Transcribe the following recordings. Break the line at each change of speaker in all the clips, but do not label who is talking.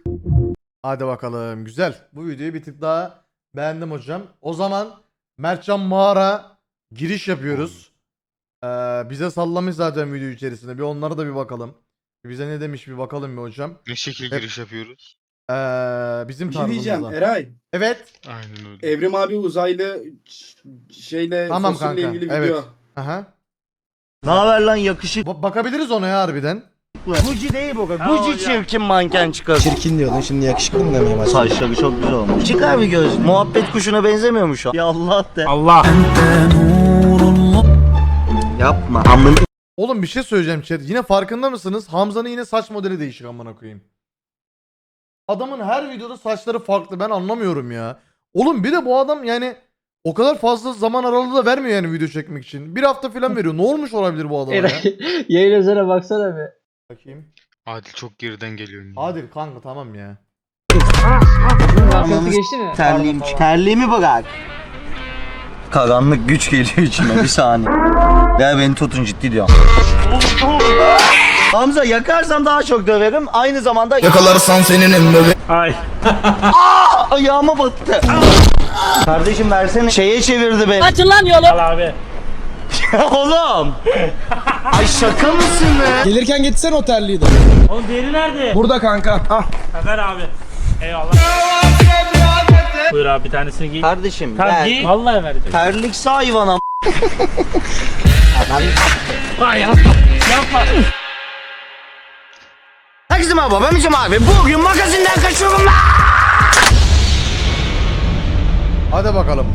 Hadi bakalım. Güzel. Bu videoyu bir tık daha beğendim hocam. O zaman Mertcan Mağara giriş yapıyoruz. Bize sallamış zaten video içerisinde. Bir onlara da bir bakalım. Bize ne demiş bir bakalım bir hocam.
Ne şekil giriş yapıyoruz?
Bizim
Bir şey diyeceğim
tarzımızda.
Eray.
Evet.
Aynen öyle.
Evrim abi uzaylı şeyle
Tamam
fosille
kanka,
ilgili
evet.
video.
Aha.
Ne haber lan yakışık?
Bakabiliriz ona ya harbiden.
Gucci değil bu. Gucci çirkin manken çıkar.
Çirkin diyordun şimdi yakışıklı mı demeye başladın?
Saçları çok güzel olmuş. Çıkar bir göz. Muhabbet kuşuna benzemiyor mu şu an? Ya Allah de.
Allah.
Yapma. Amın.
Oğlum bir şey söyleyeceğim chat. Yine farkında mısınız? Hamza'nın yine saç modeli değişik amına koyayım. Adamın her videoda saçları farklı. Ben anlamıyorum ya. Oğlum bir de bu adam yani o kadar fazla zaman aralığı da vermiyor yani video çekmek için. Bir hafta falan veriyor. Ne olmuş olabilir bu adama ya?
Yayın üzerine baksana bir.
Bakayım.
Adil çok geriden geliyor.
Adil kanka tamam ya.
Bunun arkası geçti mi?
Terliğim. Terliğimi bırak. Karanlık güç geliyor içime bir saniye. Ya beni tutun ciddi diyorum. Hamza yakarsam daha çok döverim. Aynı zamanda
Yakalarsan senin emri.
Ay.
ayağıma battı. Kardeşim versene. Şeye çevirdi beni.
Açın lan yolu.
Al abi.
Oğlum. Ay şaka mısın be?
Gelirken getirsene o terliği de.
Oğlum diğeri nerede?
Burada kanka. Ah.
Ver abi. Eyvallah. Buyur abi bir tanesini giy.
Kardeşim
Tamam
ver.
giy. Vallahi vereceğim.
Terlikse hayvana.
Ay yapma. Yapma.
Herkese merhaba ben Mücem abi. Bugün magazinden kaçıyorum lan.
Hadi bakalım.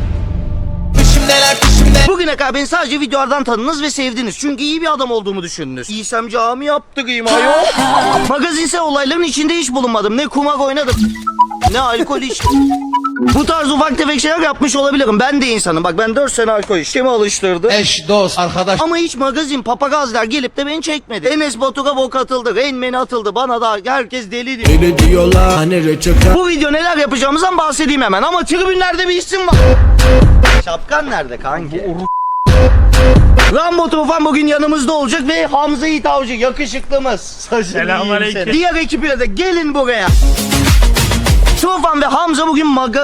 Bugüne kadar beni sadece videolardan tanıdınız ve sevdiniz. Çünkü iyi bir adam olduğumu düşündünüz. İysem cami yaptırayım ayol. Magazinsel olayların içinde hiç bulunmadım. Ne kumar oynadım, ne alkol içtim. Bu tarz ufak tefek şeyler yapmış olabilirim. Ben de insanım. Bak ben 4 sene alkol içtim. Kimi alıştırdı?
Eş, dost, arkadaş.
Ama hiç magazin, papagazlar gelip de beni çekmedi. Enes Batur'a bok atıldı, Rain Man atıldı. Bana da herkes deli diyor.
Öyle diyorlar hani reçete.
Bu video neler yapacağımızdan bahsedeyim hemen. Ama tribünlerde bir isim var. Şapkan nerede kanki? Rambo Tufan bugün yanımızda olacak ve Hamza Yiğit Avcı yakışıklımız.
Selamünaleyküm.
Diğer ekiple de gelin buraya. Tufan ve Hamza bugün maga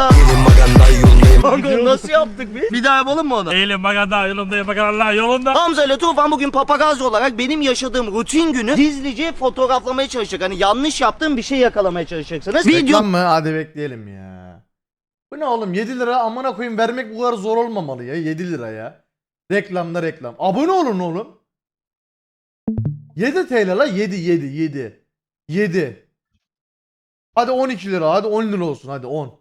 nasıl yaptık biz? Bir daha yapalım mı onu?
Eğilim baganda yolunda bakanlar yolunda.
Hamza ile Tufan bugün papagazzi olarak benim yaşadığım rutin günü gizlice fotoğraflamaya çalışacak. Hani yanlış yaptığım bir şey yakalamaya çalışacaksınız.
Reklam mı? Hadi bekleyelim ya. Bu ne oğlum? 7 lira amına koyayım vermek bu kadar zor olmamalı ya. 7 lira ya. Reklamda reklam. Abone olun oğlum. 7 TL la 7. Hadi 12 lira. Hadi 10 lira olsun. Hadi 10.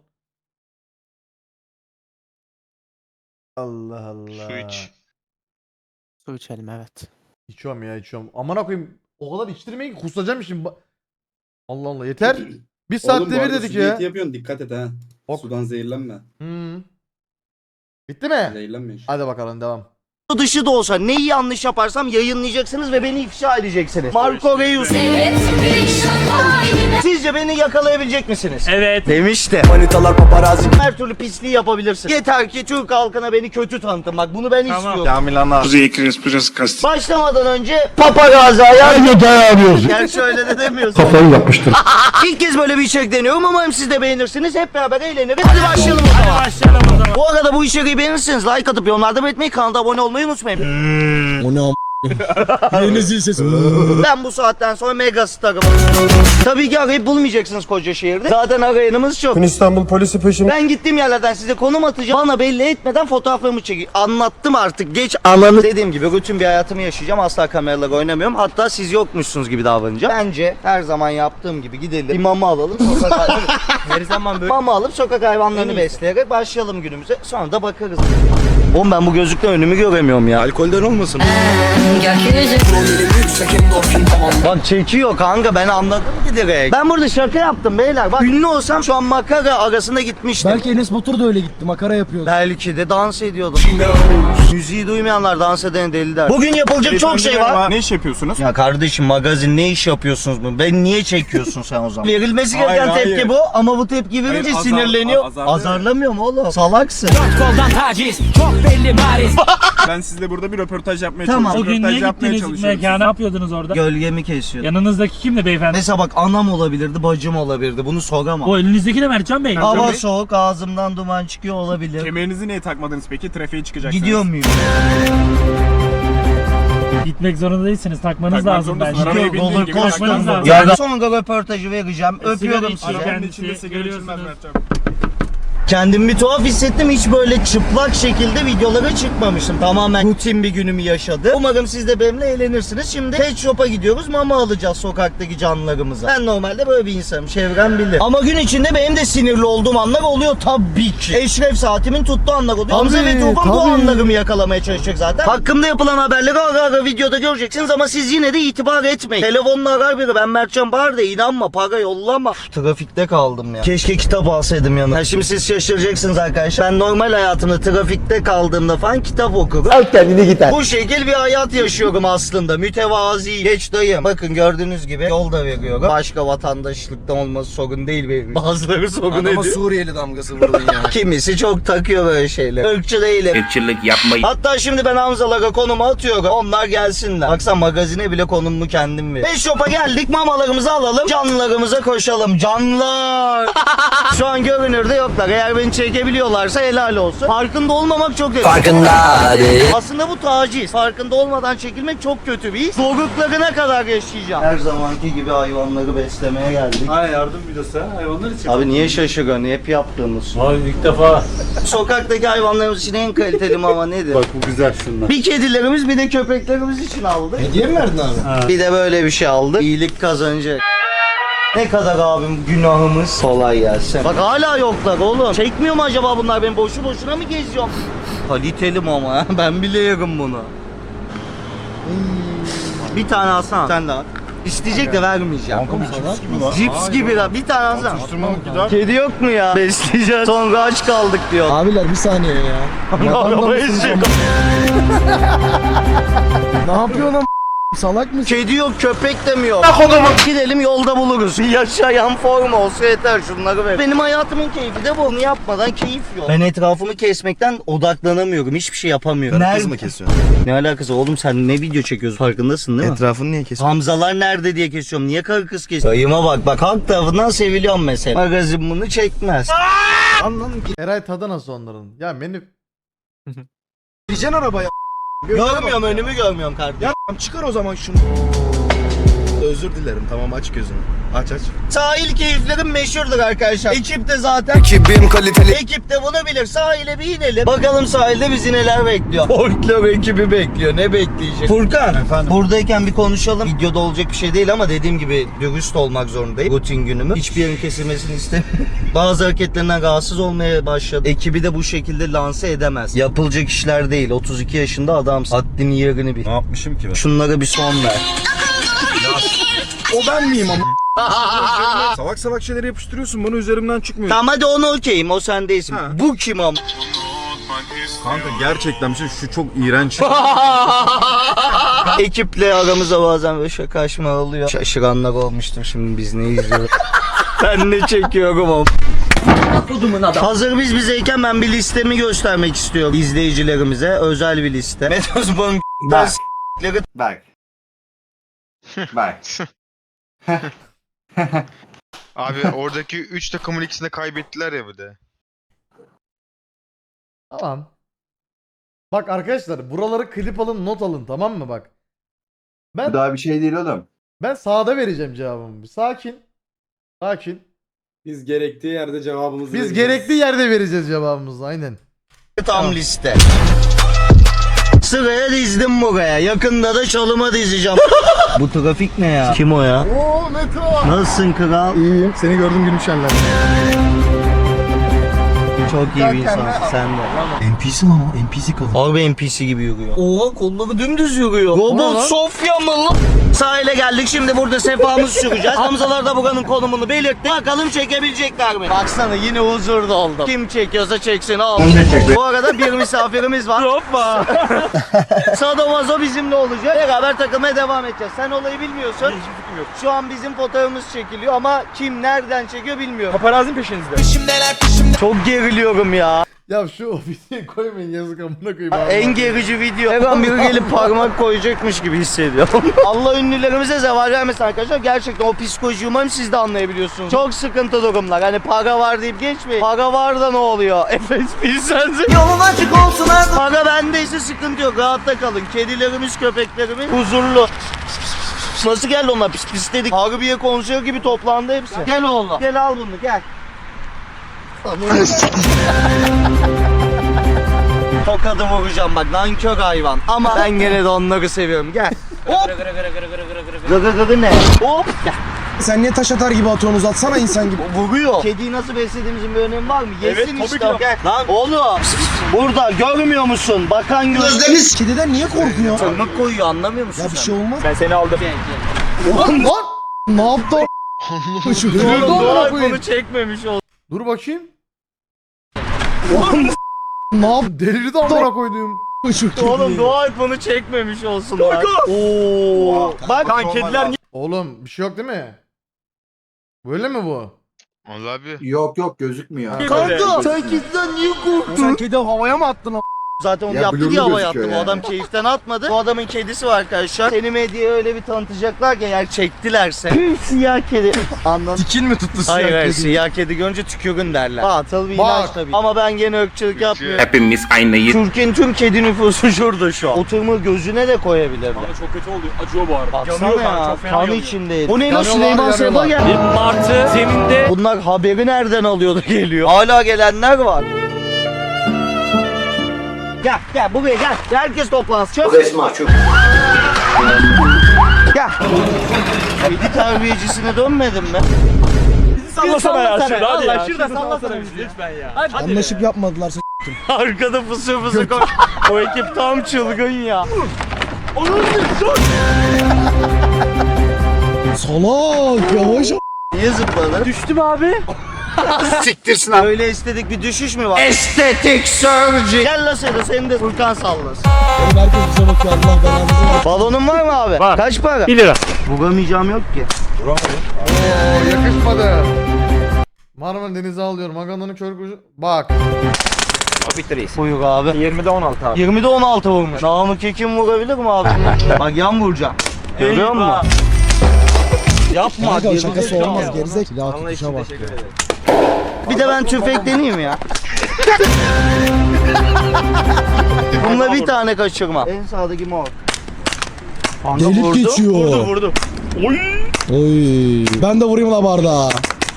Allah Allah.
Su iç.
Su içelim evet.
İçiyorum ya içiyorum. Amına koyayım. O kadar içtirmeyin ki kusacağım şimdi. Allah Allah yeter. Bir
Oğlum
saatte
bu
bir
arada
dedik
su
ya.
diyeti yapıyorsun dikkat et ha.
Ok.
Sudan zehirlenme.
Bitti mi?
Zehirlenme işte.
Hadi bakalım devam.
dışı da olsa neyi yanlış yaparsam yayınlayacaksınız ve beni ifşa edeceksiniz. Marco Reus. Sizce beni yakalayabilecek misiniz?
Evet.
Demişti.
Manitalar paparazzi.
Her türlü pisliği yapabilirsin. Yeter ki Türk halkına beni kötü tanıtın. Bak bunu ben
Tamam.
istiyorum. Başlamadan önce papagazzi ayar. Gerçi öyle de demiyorsun.
Kafayı yapmıştır.
İlk kez böyle bir içerik deniyorum. Umarım siz de beğenirsiniz. Hep beraber eğleniriz. Hadi başlayalım o zaman.
Başlayalım o zaman.
Bu arada bu içeriği beğenirseniz like atıp yorumlarda belirtmeyi, kanala abone olmayı unutmayın.
O ne am... Yeni zil sesi.
Ben bu saatten sonra mega starım. Tabii ki arayıp bulmayacaksınız koca şehirde. Zaten arayanımız çok.
İstanbul polisi peşim.
Ben gittiğim yerlerden size konum atacağım. Bana belli etmeden fotoğraflarımı çekin. Anlattım artık. Geç ananı. Dediğim gibi rutin bir hayatımı yaşayacağım. Asla kameralara oynamıyorum. Hatta siz yokmuşsunuz gibi davranacağım. Bence her zaman yaptığım gibi gidelim. Bir mama alalım. Her zaman böyle. Mama alıp sokak hayvanlarını besleyerek başlayalım günümüze. Sonra da bakarız. Oğlum ben bu gözlükten önümü göremiyorum ya.
Alkolden olmasın.
Bak çekiyor kanka, ben anladım ki direkt. Ben burada şaka yaptım beyler. Bak ünlü olsam şu an makara arasında gitmiştim.
Belki Enes Batur da öyle gitti. Makara yapıyordu.
Belki de dans ediyordum. Müziği duymayanlar dans eden deli der. Bugün yapılacak çok şey var.
Ne iş yapıyorsunuz?
Ya kardeşim magazin ne iş yapıyorsunuz mu? Ben niye çekiyorsun sen o zaman? Verilmesi gereken
Hayır,
tepki
hayır.
bu ama bu tepki verince
Hayır,
sinirleniyor.
azarlıyor.
Azarlamıyor mu oğlum? Salaksın.
Koldan taciz çok belli bariz.
Ben sizle burada bir röportaj yapmaya
Tamam.
çalışıyorum.
Bugün niye
Röportaj yapmaya
gittiniz
çalışıyoruz.
mekana? Ne yapıyordunuz orada?
Gölgemi kesiyor?
Yanınızdaki kimdi beyefendi?
Mesela bak anam olabilirdi, bacım olabilirdi. Bunu soramam.
O elinizdeki de Mertcan Bey.
Hava soğuk, ağzımdan duman çıkıyor olabilir.
Kemerinizi niye takmadınız peki? Trafiğe çıkacaksınız.
Gidiyor muyum?
Gitmek zorunda değilsiniz. Takmanız
Takmak
lazım bence.
zorundasın. Arabaya
Gidiyor,
bindiğin
roller
gibi
takmanız
coaster.
lazım.
Ya sonra röportajı vereceğim.
Sigara
Öpüyorum
içiyor.
sizi.
Arabanın
Kendisi,
içinde sigara içilmez
görüyorsunuz.
Mertcan.
Kendimi bir tuhaf hissettim. Hiç böyle çıplak şekilde videolara çıkmamıştım. Tamamen rutin bir günümü yaşadım. Umarım siz de benimle eğlenirsiniz. Şimdi pet shop'a gidiyoruz. Mama alacağız sokaktaki canlılarımıza. Ben normalde böyle bir insanım. Çevrem bilir. Ama gün içinde benim de sinirli olduğum anlar oluyor tabii ki. Eşref saatimin tuttuğu anlar oluyor. Hamza ve Tufan bu anlarımı yakalamaya çalışacak zaten. Hakkımda yapılan haberleri ara ara videoda göreceksiniz ama siz yine de itibar etmeyin. Telefonla arar biri. Ben Mertcan Bahar da inanma. Para yollama. Üf, trafikte kaldım ya. Keşke kitap alsaydım yanıma. Ha, şimdi siz şaşıracaksınız arkadaşlar. Ben normal hayatımda trafikte kaldığımda falan kitap okurum. Al kendini gider. Bu şekil bir hayat yaşıyorum aslında. Mütevazi. Geç dayım. Bakın gördüğünüz gibi yol da veriyorum. Başka vatandaşlıktan olması sorun değil benim. Bazıları sorun ediyor.
Suriyeli damgası vurdun ya.
Kimisi çok takıyor böyle şeyler. Irkçı değilim.
Irkçılık yapmayın.
Hatta şimdi ben Hamzalara konumu atıyorum. Onlar gelsinler. Baksana magazine bile konumumu kendim veriyorum. Pet shop'a geldik. Mamalarımızı alalım. Canlılarımıza koşalım. Canlılar. Şu an görünürde yoklar. Eğer beni çekebiliyorlarsa helal olsun. Farkında olmamak çok kötü. Farkında değil. Aslında bu taciz. Farkında olmadan çekilmek çok kötü bir his. Zorluklarına kadar yaşayacağım. Her zamanki gibi hayvanları beslemeye geldik.
Ha yardım videosu ha hayvanlar için.
Abi niye şaşırıyorsun? Hep yaptığımız.
Abi ilk defa.
Sokaktaki hayvanlarımız için en kaliteli mama nedir?
Bak bu güzel şunlar.
Bir kedilerimiz bir de köpeklerimiz için aldık.
Hediye mi verdin abi?
Bir de böyle bir şey aldık. İyilik kazanacak. Ne kadar abim günahımız. Kolay gelsin. Bak hala yoklar oğlum. Çekmiyor mu acaba bunlar? Ben boşu boşuna mı geziyorum? Kaliteli mama. Ben bile yerim bunu. Bir tane alsana. Sen de al. İsteyecek de vermeyeceğim. Cips gibi lan. Bir tane alsana. Kedi yok mu ya? Besleyeceğiz. Sonra aç kaldık diyor.
Abiler bir saniye ya.
Arabayı sürüyor.
Ne yapıyorsun am? Salak mısın?
Kedi yok, köpek de mi yok? Gidelim yolda buluruz. Bir yaşayan form olsa yeter şunları ver. Benim hayatımın keyfi de bu. Bunu yapmadan keyif yok. Ben etrafımı kesmekten odaklanamıyorum. Hiçbir şey yapamıyorum.
Kız mı kesiyorsun?
Ne alakası oğlum sen ne video çekiyorsun farkındasın değil mi?
Etrafını niye kesiyorsun?
Hamzalar nerede diye kesiyorum. Niye karı kız kesiyorum? Dayıma bak bak halk tarafından seviliyorum mesela. Magazin bunu çekmez.
Anladım ki.
Eray tadı nasıl onların? Ya beni
Gideceksin arabaya.
Görmüyorum önümü görmüyorum kardeşim.
Ya çıkar o zaman şunu. Özür dilerim tamam aç gözünü. Aç aç.
Sahil keyiflerim meşhurdur arkadaşlar. Ekip de zaten.
Ekibim kaliteli.
Ekip de bunu bilir. Sahile bir inelim. Bakalım sahilde bizi neler bekliyor. Folklor ekibi bekliyor. Ne bekleyecek? Furkan.
Efendim?
Buradayken bir konuşalım. Videoda olacak bir şey değil ama dediğim gibi dürüst olmak zorundayım. Rutin günümü. Hiçbir yerin kesilmesini istemiyorum. Bazı hareketlerinden rahatsız olmaya başladı. Ekibi de bu şekilde lanse edemez. Yapılacak işler değil. 32 yaşında adamsın. Haddini yerini bil.
Ne yapmışım ki ben?
Şunlara bir son ver.
O ben miyim ama? Salak salak şeyleri yapıştırıyorsun bana üzerimden çıkmıyor.
Tamam hadi onu okeyim. O sen değilsin.
Ha.
Bu kim am?
Kanka gerçekten bir şey şu çok iğrenç.
Ekiple aramıza bazen böyle şakaşma oluyor. Şaşıranlar olmuştur şimdi biz ne izliyoruz. Ben ne çekiyorum o. Hazır biz bizeyken ben bir listemi göstermek istiyorum izleyicilerimize. Özel bir liste. Metozbon
Bak. Bak. Bak.
Abi oradaki 3 takımın ikisini de kaybettiler ya bir de.
tamam. Bak arkadaşlar buraları klip alın not alın tamam mı bak. Ben
Daha bir şey değil oğlum.
ben sağda vereceğim cevabımı. Bir sakin. Sakin.
Biz gerektiği yerde cevabımızı
Biz
vereceğiz.
gerekli yerde vereceğiz cevabımızı aynen.
tam liste. Sıraya dizdim buraya. Yakında da çalıma dizeceğim. Bu trafik ne ya? Kim o ya?
Oo Meto.
Nasılsın kral?
İyiyim. Seni gördüm gülüm şenler.
Çok iyi bir insansın sen de.
NPC mi ama? NPC kalın.
Harbi NPC gibi yürüyor. Oha kolları dümdüz yürüyor.
Ne
Robot
lan?
Sofya mı lan? Sahile geldik şimdi burada sefamızı süreceğiz. Hamzalar da buranın konumunu belirtti. Bakalım çekebilecekler mi? Baksana yine huzurda oldum. Kim çekiyorsa çeksin al. Bu arada bir misafirimiz var. Hoppa. Sadomazo bizimle olacak. Beraber takılmaya devam edeceğiz. Sen olayı bilmiyorsun.
Hiçbir fikrim yok.
Şu an bizim fotoğrafımız çekiliyor ama kim nereden çekiyor bilmiyorum.
Paparazin peşinizde.
Çok geriliyorum ya.
Ya şu videoyu koymayın yazık amına koyayım.
En gerici video. Her an biri gelip parmak koyacakmış gibi hissediyorum. Allah ünlülerimize zeval vermesin arkadaşlar. Gerçekten o psikolojiyi umarım siz de anlayabiliyorsunuz. Çok sıkıntı durumlar. Hani para var deyip geçmeyin. Para var da ne oluyor? Efes bilsense. Yolun açık olsun abi. Para bendeyse sıkıntı yok. Rahatta kalın. Kedilerimiz, köpeklerimiz huzurlu. Nasıl geldi onlar pis pis dedik. Harbiye konuşuyor gibi toplandı hepsi. Gel oğlum. Gel al bunu gel. Tokadı vuracağım bak nankör hayvan. Ama ben gene de onları seviyorum. Gel. Hop. Gıgı ne? Hop. Gel.
Sen niye taş atar gibi atıyorsun, uzatsana insan gibi.
Vuruyor. Kediyi nasıl beslediğimizin bir önemi var mı? Yesin işte. Gel. Lan oğlum. Burada görmüyor musun? Bakan gözleriniz.
Kediden niye korkuyor?
Tırnak koyuyor anlamıyor musun
Ya bir
sen?
şey olmaz.
Ben seni aldım.
Lan lan.
Ne yaptı o?
Dur amına
Bunu
koyayım.
çekmemiş oldu.
Dur bakayım.
Ne yaptı?
Delirdi amına koyduğum.
Oğlum dua et bunu çekmemiş olsun lan. Oo. Bak
Lan kediler niye?
Oğlum bir şey yok değil mi? Böyle mi bu?
Vallahi abi.
Yok yok gözükmüyor.
kanka sen kediden niye korktun?
Sen kedi havaya mı attın?
Zaten onu
Ya
yaptı
blurlu
diye hava
gözüküyor
yattı. Bu
yani.
adam keyiften atmadı. Bu adamın kedisi var arkadaşlar. Seni medyaya öyle bir tanıtacaklar ki eğer çektilerse. Siyah kedi. Anladın?
Dikin mi tuttu siyah
Hayır hayır
kedi?
siyah kedi görünce tükürün derler. Batıl bir
Bak.
inanç tabii. Ama ben gene ırkçılık yapmıyorum.
Hepimiz aynıyız.
Türkiye'nin tüm kedi nüfusu şurada şu an. Oturma gözüne de koyabilirler.
Ama çok kötü oldu. Acıyor bu arada.
Baksana
Yanıyor
ya.
çok fena
Kan
yanıyor.
içindeydi. Bu ne lan
Yanıyorlar,
Süleyman Seba
yanıyorlar.
gel.
Bir martı zeminde
Bunlar haberi nereden alıyordu geliyor. Hala gelenler var. Gel buraya gel. Herkes toplansın. Çok resmi çok. Gel. Kedi terbiyecisine dönmedin mi?
sallasana ya şurada hadi
Allah
ya.
şurada
Şurada
sallasana
sallasana
bizi.
bizi lütfen ya. Hadi.
Anlaşıp yapmadılar.
Arkada fısır fısır koş. O ekip tam çılgın ya.
Salak yavaş ol.
Niye zıpladı?
Düştüm abi.
Siktirsin abi. Öyle estetik bir düşüş mü var? Estetik surgery. Gel la seni de Furkan sallasın.
Oğlum herkes bize bakıyor, Allah belanızı versin.
Balonun var mı abi?
Var.
Kaç para?
1 lira.
Vuramayacağım yok ki.
Oo yakışmadı. Marmara Denize alıyorum. Aganda'nın kör kuşu. Bak.
Buyur abi.
20'de 16 abi.
20'de 16 vurmuş. Namık Ekim vurabilir mi abi? Bak yan vuracağım. Görüyor musun? Yapma.
Kanka
geri
şakası
zekalı.
olmaz, gerizek. Silah tutuşa bak.
Bir de ben tüfek deneyeyim ya. Bununla bir tane kaçırma. En sağdaki mor. Kanka
Delip
vurdu.
geçiyor.
Vurdu.
Oy. Ben de vurayım la bardağa.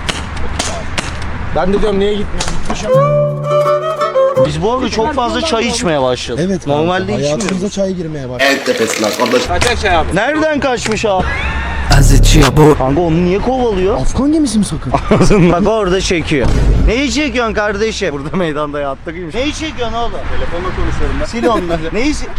Ben de diyorum niye gitmiyor?
Biz bu arada çok fazla çay içmeye başladık.
Evet kanka.
Normalde içmiyoruz.
Hayatımıza çay girmeye başladı.
El tepesi lan kardeş.
Kaçak şey abi.
Nereden kaçmış abi? Kanka onu niye kovalıyor?
Afgan gemisi mi sakın?
Bak orada çekiyor. Neyi çekiyorsun kardeşim? Burada meydanda yattırayım. Neyi çekiyorsun oğlum?
Telefonla konuşuyorum ben.
Sil onları. Neyi sil?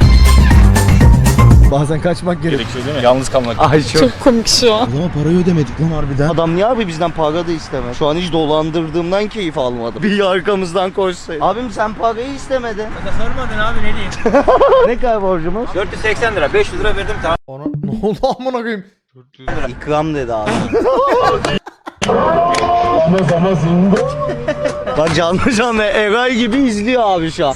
Bazen kaçmak gerek.
Gerekiyor değil mi? Yalnız kalmak.
Ay çok.
O zaman parayı ödemedik lan harbiden.
Adam niye abi bizden para da istemez? Şu an hiç dolandırdığımdan keyif almadım. Bir arkamızdan koşsaydı. Abim sen parayı istemedin.
Sormadın abi ne diyeyim?
Ne kadar borcumuz?
480 lira 500 lira verdim tamam.
Ona ne oldu amına koyayım?
İkram dedi abi. Bak canlı Eray gibi izliyor abi şu an.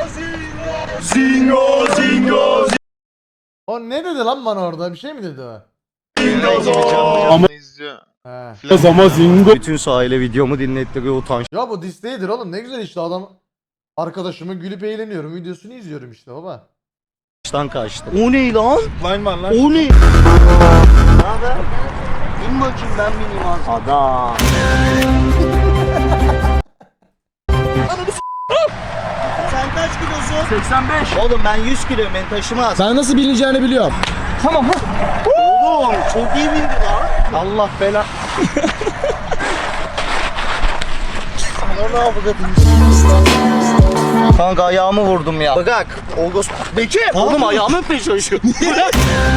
O ne dedi lan bana orada? Bir şey mi dedi o?
Ama izliyor.
He.
Bütün sahile videomu dinlettiriyor utanç.
Ya bu disteğidir oğlum. Ne güzel işte adam. Arkadaşımı gülüp eğleniyorum. Videosunu izliyorum işte baba.
Baştan kaçtı. O ne lan?
Line var lan.
O ne? Ne haber? İn bakayım ben bineyim az. Adam. Sen kaç kilosun?
85.
Oğlum ben 100 kiloyum beni taşımaz.
Ben nasıl bilineceğini biliyorum.
Oğlum çok iyi bindi lan. Allah bela. Ana ne yapacağız? Kanka ayağımı vurdum ya. Bırak. Olgos. Bekir. Oğlum ayağımı öpmeye çalışıyor. Bırak.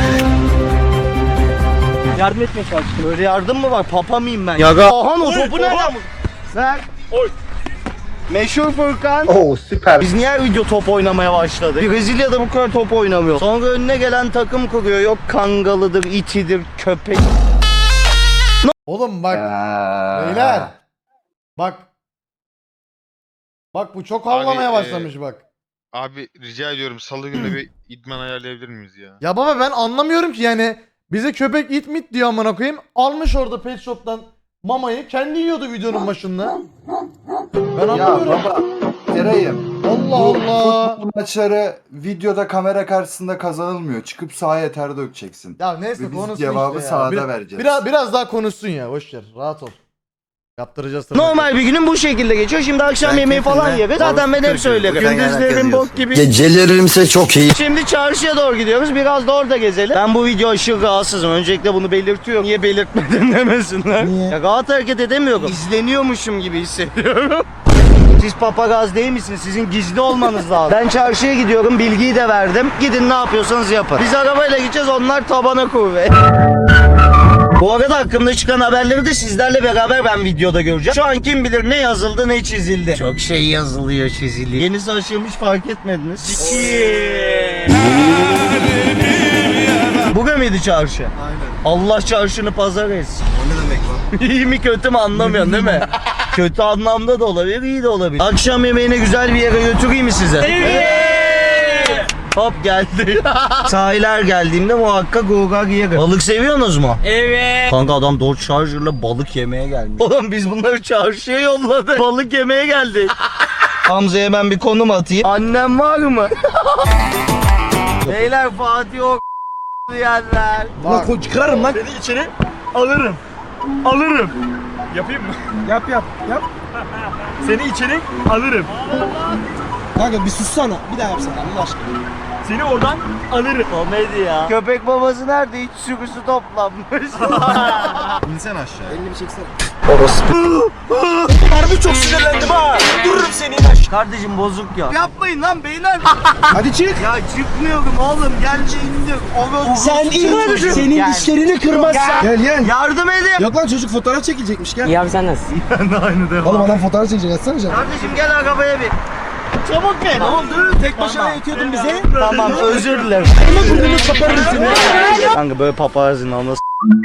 Yardım etmeye çalıştım.
Böyle yardım mı var? Papa mıyım ben? Yaga. Ahan o topu nereden vurdun? Ver.
Oy.
Meşhur Furkan. Oo süper. Biz niye her video top oynamaya başladık? Brezilya'da bu kadar top oynamıyor. Sonra önüne gelen takım kuruyor. Yok kangalıdır, itidir, köpek.
Oğlum bak. Beyler. Bak. Bak bu çok havlamaya
Abi,
başlamış bak.
Abi rica ediyorum salı günü bir idman ayarlayabilir miyiz ya?
Ya baba ben anlamıyorum ki yani bize köpek it mit diyor amına koyayım. Almış orada pet shop'tan mamayı kendi yiyordu videonun başında. Ben
Ya
anlamıyorum.
baba Eray'ım.
Allah
Bu
Allah.
futbol maçları videoda kamera karşısında kazanılmıyor. Çıkıp sahaya ter dökeceksin.
Ya neyse
Ve biz
konuşsun
cevabı
işte ya.
sahada vereceğiz.
Biraz daha konuşsun ya. Boş ver. Rahat ol. Yaptıracağız tabii.
Normal bir günüm bu şekilde geçiyor. Şimdi akşam
Ben
yemeği falan
keyfimle
yeriz. Zaten ben hep
balık
söylerim.
kırıyorum. Sen
Gündüzlerim
genelde
bok
yazıyorsun.
gibi.
Gecelerimse çok iyi.
Şimdi çarşıya doğru gidiyoruz. Biraz da orada gezelim. Ben bu video aşırı rahatsızım. Öncelikle bunu belirtiyorum. Niye belirtmedin demesinler.
Niye?
Ya rahat hareket edemiyorum. İzleniyormuşum gibi hissediyorum. Siz papagaz değil misiniz? Sizin gizli olmanız lazım. Ben çarşıya gidiyorum. Bilgiyi de verdim. Gidin ne yapıyorsanız yapın. Biz arabayla gideceğiz. Onlar tabana kuvvet. Bu arada hakkımda çıkan haberleri de sizlerle beraber ben videoda göreceğim. Şu an kim bilir ne yazıldı ne çizildi. Çok şey yazılıyor çiziliyor. Yenisi açılmış fark etmediniz. Bugün müydü çarşı? Aynen. Allah çarşını pazar etsin.
O ne demek lan?
İyi mi kötü mü anlamıyorsun değil mi? Kötü anlamda da olabilir, iyi de olabilir. Akşam yemeğine güzel bir yere götüreyim mi size? Hop geldi. Sahiller geldiğimde muhakkak gogar yerim. Balık seviyorsunuz mu?
Evet.
Kanka adam Dodge Charger'la balık yemeye gelmiş. Oğlum biz bunları çarşıya yolladık. Balık yemeye geldik. Hamza'ya ben bir konum atayım. Annem var mı? Beyler Fatih o diyenler.
Bak çıkarırım lan.
Seni içeri alırım. Alırım. Yapayım mı?
Yap yap yap.
Seni içeri alırım.
Kanka bir sussana. Bir daha yapsana Allah aşkına.
Seni oradan alırım.
Komedi ya. Köpek babası nerede? Hiç sürüsü toplanmış.
İnsen aşağı.
Elini bir çeksene.
Harbi çok sinirlendim ha. Dururum seni. Kardeşim bozuk ya. Yapmayın lan beyler.
Hadi çık.
Ya çıkmıyorum oğlum. Gel indir.
Sen in. Senin dişlerini kırmazsan. Gel gel.
Yardım edin.
Yok lan çocuk fotoğraf çekilecekmiş gel.
İyi abi sen nasılsın?
Oğlum adam fotoğraf çekecek atsana canım.
Kardeşim gel arabaya bin. Çabuk bin.
Ne oldu? Tek başına yetiyordun bize.
Tamam özür dilerim.
Ama burnunu kaparız seni.
Kanka böyle papazın anası.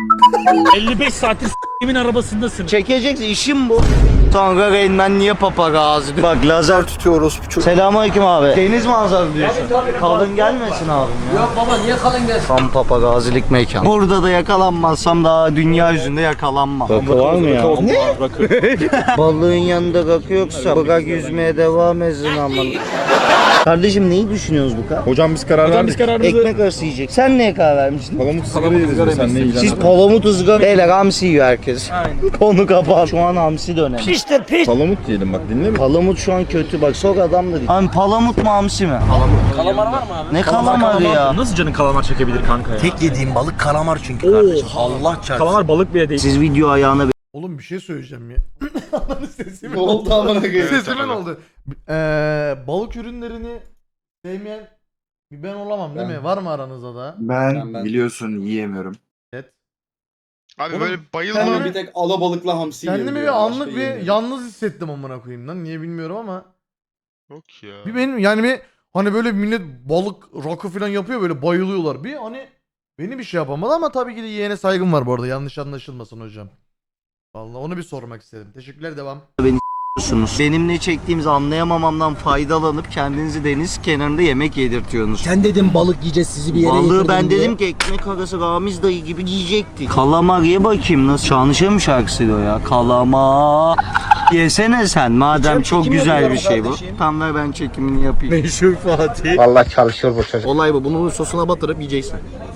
55 saattir s**imin arabasındasın.
Çekeceksin işim bu. Sonra Reynmen niye papagazı diyor. Bak lazer tutuyoruz. Selamünaleyküm abi. Deniz manzaralı diyorsun. Kalın gelmesin abim ya.
Yok baba niye kalın gelsin?
Tam papagazilik mekan. Burada da yakalanmazsam daha dünya yüzünde yakalanmam. Rakı var mı ya?
Ne?
Balığın yanında rakı yoksa bırak yüzmeye devam etsin aman. Kardeşim neyi düşünüyoruz bu kadar?
Hocam biz karar verdik.
Ekmek arası yiyecek. Sen neye karar vermiştin?
Palamut sigara yeriz sen ne
Siz palamut ızgara. Beyler hamsi yiyor herkes. Konu kapan. Şu an hamsi dönemi.
Palamut diyelim bak dinle mi?
Palamut şu an kötü bak sok adam da değil. Abi palamut mu hamsi mi?
Kalamar var mı abi?
Ne kalamarı ya?
Nasıl canın kalamar çekebilir kanka ya?
Tek yediğim balık kalamar çünkü kardeşim. Allah çarpsın.
Kalamar balık bile değil.
Siz video ayağına
Oğlum bir şey söyleyeceğim ya. Ananı sesimin
Ne oldu amına koyayım?
Sesimin oldu. Balık ürünlerini sevmeyen bir ben olamam değil mi? Var mı aranızda da?
Ben biliyorsun yiyemiyorum.
Evet.
Abi
Oğlum,
böyle bayılma.
kendimi-
Bir tek alabalıkla hamsi
Kendimi
yiyebiliyorum,
bir
başka
anlık bir
yiyemiyorum.
yalnız hissettim amına koyayım lan. Niye bilmiyorum ama.
Yok ya.
Bir benim yani bir hani böyle millet balık rakı falan yapıyor böyle bayılıyorlar. Bir hani beni bir şey yapamadı ama tabii ki de yeğene saygım var bu arada. Yanlış anlaşılmasın hocam. Vallahi onu bir sormak istedim. Teşekkürler devam.
yapıyorsunuz. Benim ne çektiğimizi anlayamamamdan faydalanıp kendinizi deniz kenarında yemek yedirtiyorsunuz.
Sen dedin balık yiyeceğiz sizi bir yere
Balığı
yedirdin
ben
diye.
dedim ki ekmek arası Ramiz dayı gibi yiyecektik. Kalamar ye bakayım nasıl? Şanışa mı şarkısıydı o ya? Kalamar. Yesene sen madem çok
çekim
güzel bir
yapıyorum
şey bu.
kardeşim.
Tam ver ben çekimini yapayım. Meşhur Fatih.
Vallahi çalışıyor bu çocuk. Olay bu. Bunu sosuna batırıp yiyeceksin.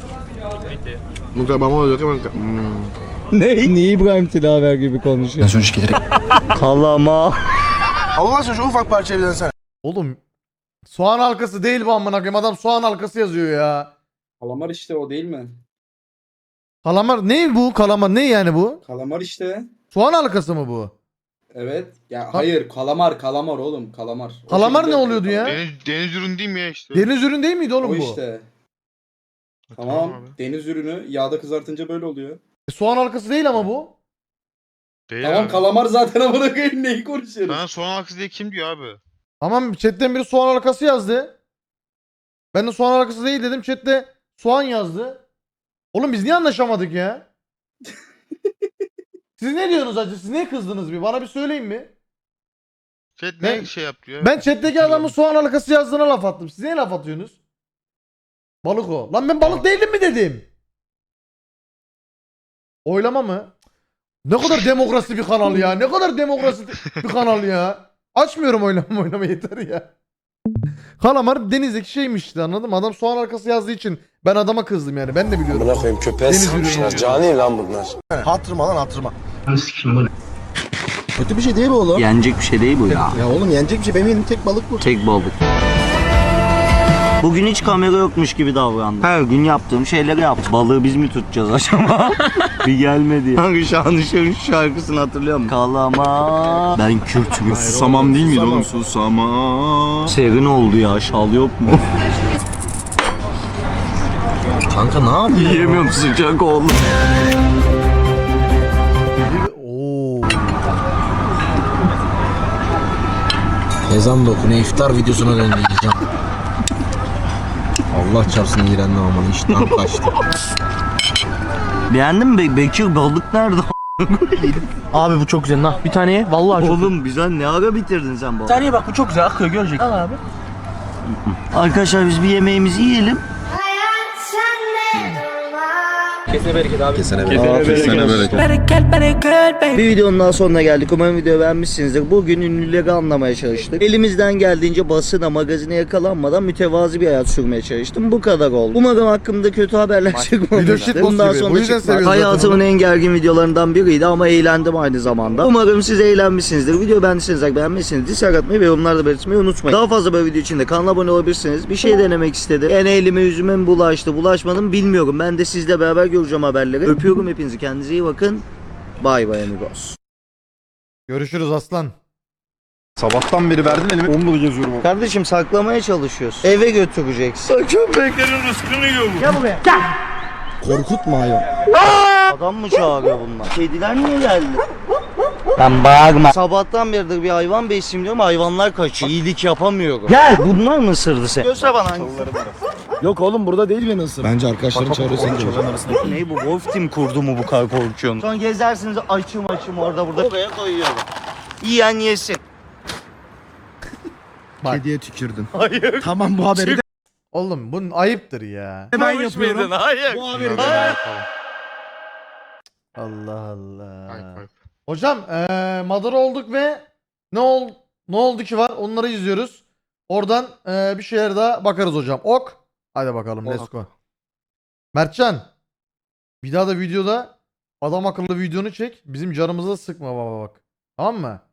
Mükemmel olacak ama.
Ne? Niye İbrahim Tilaver gibi konuşuyor? Kalamar.
Allah aşkına şu ufak parçayı bir dönsene.
Oğlum soğan halkası değil bu amına koyayım. Adam soğan halkası yazıyor ya.
Kalamar işte o değil mi?
Kalamar ne bu? Kalamar ne yani bu?
Kalamar işte.
Soğan halkası mı bu?
Evet. Ya hayır kalamar oğlum kalamar. O
Kalamar
şekilde
ne oluyordu ya?
Deniz ürün değil mi ya işte?
Deniz ürün değil miydi oğlum
O
bu?
işte. Tamam.
abi.
Deniz ürünü yağda kızartınca böyle oluyor.
Soğan halkası değil ama bu.
Değil
Tamam
abi.
kalamar zaten amına koyayım neyi konuşuyoruz?
Bana soğan halkası diye kim diyor abi?
Tamam chatten biri soğan halkası yazdı. Ben de soğan halkası değil dedim. Chatte soğan yazdı. Oğlum biz niye anlaşamadık ya? Siz ne diyorsunuz acı? Siz niye kızdınız bir? Bana bir söyleyin mi?
Chat
Ben-
ne şey yapıyor?
Ben chat'teki adamın soğan halkası yazdığına laf attım. Siz niye laf atıyorsunuz? Balık o. Lan ben balık değilim mi dedim? Oylama mı? Ne kadar demokrasi bir kanal ya. Ne kadar demokrasi bir kanal ya. Açmıyorum oynama yeter ya. Kalamar denizdeki şeymiş işte, anladın mı? Adam soğan halkası yazdığı için ben adama kızdım yani. Ben de biliyorum.
Buna koyayım köpeğe
Deniz
sıkmışlar.
ürünü.
Cani lan bunlar.
Hatırıma lan hatırıma. Kötü bir şey değil bu oğlum.
Yenecek bir şey değil bu ya.
Ya oğlum yenecek bir şey. Benim elim tek balık bu.
Tek balık. Bugün hiç kamera yokmuş gibi davrandım. Her gün yaptığım şeyleri yaptım. Balığı biz mi tutacağız acaba? Bir gelmedi. Hangi Şanışer'in şarkısını hatırlıyor musun? Kalama. Ben Kürt'üm.
Susamam değil miydi oğlum? Susamam.
Serin oldu ya. Şal yok mu?
Kanka ne yapıyorsun?
Yiyemiyorum, sıcak oldu.
Oo.
Ezan da okunu iftar videosuna döndüreceğim. Allah çarpsın iğrendim aman iştahım kaçtı.
Beğendin mi? Bekir balık nerede?
Abi bu çok güzel. Bir tane ye. Vallahi çok.
Oğlum güzel, ne ara bitirdin sen
Bir
balığı?
tane ye bak bu çok güzel akıyor görecek. Al abi.
Arkadaşlar biz bir yemeğimizi yiyelim.
Kesene bereket abi.
Kesene
Bir videonun daha sonuna geldik. Umarım videoyu beğenmişsinizdir. Bugün ünlüleri anlamaya çalıştık. Elimizden geldiğince basına, magazine yakalanmadan mütevazi bir hayat sürmeye çalıştım. Bu kadar oldu. Umarım hakkımda kötü haberler
Video
çıkmamıştır.
shitpost
Bundan
gibi. Bu
sonra
yüzden
çıkmaz.
seviyoruz zaten
Hayatımın
onu.
en gergin videolarından biriydi ama eğlendim aynı zamanda. Umarım siz eğlenmişsinizdir. Video beğendiyseniz beğenmişsiniz. Dislike atmayı ve yorumlarda belirtmeyi unutmayın. Daha fazla böyle video için de kanala abone olabilirsiniz. Bir şey denemek istedim. En elime yüzüme mi bulaştı, bulaşmadım bilmiyorum. Ben de sizle beraber göreceğim haberleri. Öpüyorum hepinizi. Kendinize iyi bakın. Bay bay amigos.
Görüşürüz aslan.
Sabahtan beri verdin elime. Onunla geziyorum.
Kardeşim saklamaya çalışıyorsun. Eve götüreceksin. Köpeklerin rızkını yiyor bu. Gel buraya. Gel.
Korkutma ayol.
Adam mı çağırıyor bunlar? Kediler niye geldi? Ben bağırma. Sabahtan beridir bir hayvan besleyeyim diyorum, hayvanlar kaçıyor. İyilik yapamıyorum. Gel. Bunlar mı ısırdı seni? Göster bana hangisi.
Yok oğlum burada değil beni ısır. Bence arkadaşların çağırıyor seni çağırıyor.
Ne bu? Wolf Team kurdu mu bu kadar korkuyorsun? Sonra gezersiniz açım orada burada. Oraya koyuyorum. Yiyen yesin.
Kediye tükürdün.
Hayır.
Tamam bu haberi de
Oğlum bunun ayıptır ya.
ben yapıyorum.
Hayır.
Bu haberi de
Allah Allah.
Ayıp, ayıp.
Hocam Madara olduk ve ne oldu ki var, onları izliyoruz. Oradan bir şeyler daha bakarız hocam. Ok. Hadi bakalım let's go. Mertcan. Bir daha da videoda adam akıllı videonu çek. Bizim canımıza sıkma baba bak. Tamam mı?